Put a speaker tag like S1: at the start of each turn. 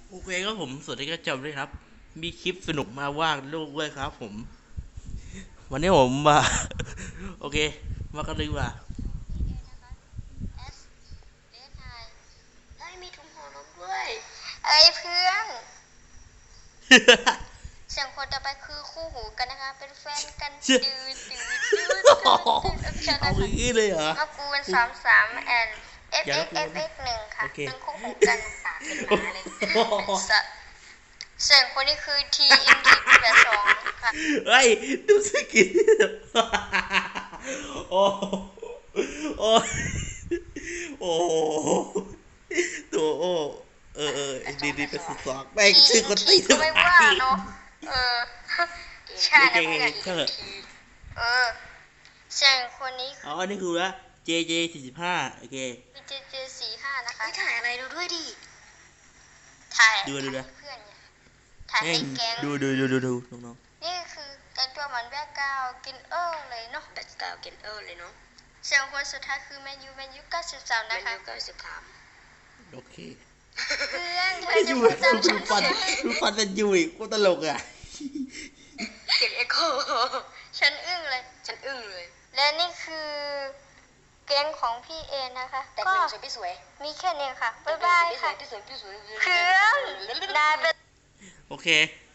S1: โอเคครับผมสวัสดีครับจำด้วยครับมีคลิปสนุกมาว่างโลกด้วยครับผมวันนี้ผมมาโอเคมากันเลยดีกว่า
S2: เอ้ยมีถุงหัวนมด้วยเอ้ยเพื่อนเสียงคนต่อไปคือคู่หูกันนะคะเป็นแฟนกัน
S1: เชื่อ
S2: เชิญ
S1: เอา
S2: นะคะ
S1: อย่างนี้เลยเหรอ
S2: มากูเป็น33 and
S1: อย่าละกู
S2: FXFX 1ค่ะ
S1: โอเค
S2: เป็นคู่หูกันค่ะเป็นหมาเลยเสียงคนนี้คือ TMT82 ค่ะ
S1: เฮ้ยดูสกินโอ้โอ้โอ้ตัวโอ้ดีเป็นสุดสองแม่งชื่อคนตี
S2: ก็ไม่ว่าเนาะเออใช่นะเพื่อน
S1: ก็เลย
S2: เออเสียงคนนี้
S1: อ๋ออันนี้คือว่า JJ45โอเค
S2: มีJJ45นะคะ
S3: ถ่ายอะไรดูด้วยดิ
S2: ถ่าย
S1: ดูนะ
S2: เพื่อนไงถ่าย
S1: แม่
S2: ให้
S1: ง
S2: แก๊ง
S1: ดูน้อง
S2: นี่คือแต่งตัวเหมือนแบ็คกราวด์กินเลยเนาะ
S3: แบ็คกราวด์เกนเออร์เลยเนาะ
S2: เสียงคนสุดท้ายคือแมนยู93
S3: แมน
S2: นะคะ
S3: ยู93
S1: ๆโอเค
S2: เพื่อนเธอ
S1: ไม่
S2: จะ
S1: ดู
S2: พูดตามฉัน
S1: ฟัน
S2: สิ
S1: ดูฟันเป็นยูอีกกูตลกอ่ะ
S3: เสียงเอ็กโค
S2: ฉันอึ้งเลย
S3: ฉันอึ้งเลย
S2: และนี่คือแก๊งของพี่เอนะคะ
S3: แต่ง
S2: ก็
S3: เป็นสวยพี่สวย
S2: มีแค่นี้ค่ะบ๊ายบายค่ะ
S3: พี่สวยพี่สวย
S2: เพื่อนนายเป็น
S1: โอเค